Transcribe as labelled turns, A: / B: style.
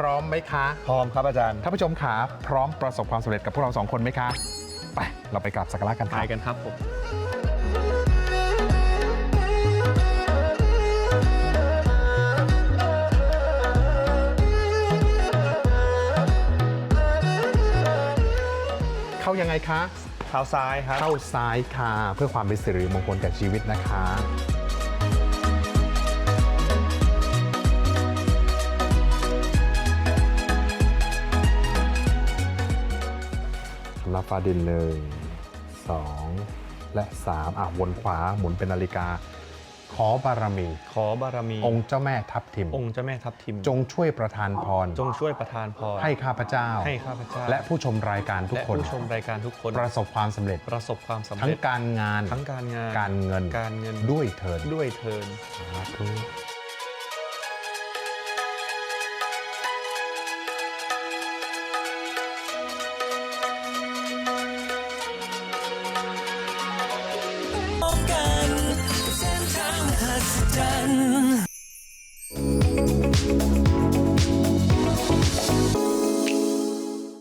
A: ร้อมไหมคะ
B: พร้อมครับอาจารย์
A: ท่านผู้ชมขาพร้อมประสบความสำเร็จกับพวกเรา2 คนไหมคะไปเราไปกราบสักการะกันค
B: ไป
A: รับ
B: กันครับผม
A: เข้ายังไงคะ
B: เท้าซ้ายครับ
A: เข้าซ้ายค่ะเพื่อความเป็นสิริมงคลแก่ชีวิตนะคะรับฟ้าดิน1 2 และ 3วนขวาหมุนเป็นนาฬิกาขอบารมี
B: ขอบารมี
A: องค์เจ้าแม่ทับทิม
B: องค์เจ้าแม่ทับทิม
A: จงช่วยประทานพร
B: จงช่วยประทานพร
A: ให้ข้าพเจ้า
B: ให้ข้าพเจ้า
A: และผู้ชมรายการทุก
B: และ
A: คน
B: ผู้ชมรายการทุกคน
A: ประสบความสำเร็จ
B: ประสบความสำ
A: ทั้ง
B: เร็จ
A: การงาน
B: ทั้งการงาน
A: การเงิน
B: การเงิน
A: ด้วยเถิด
B: ด้วยเทิน
A: สาธุ
C: กันเส้นทางมหัศจรรย์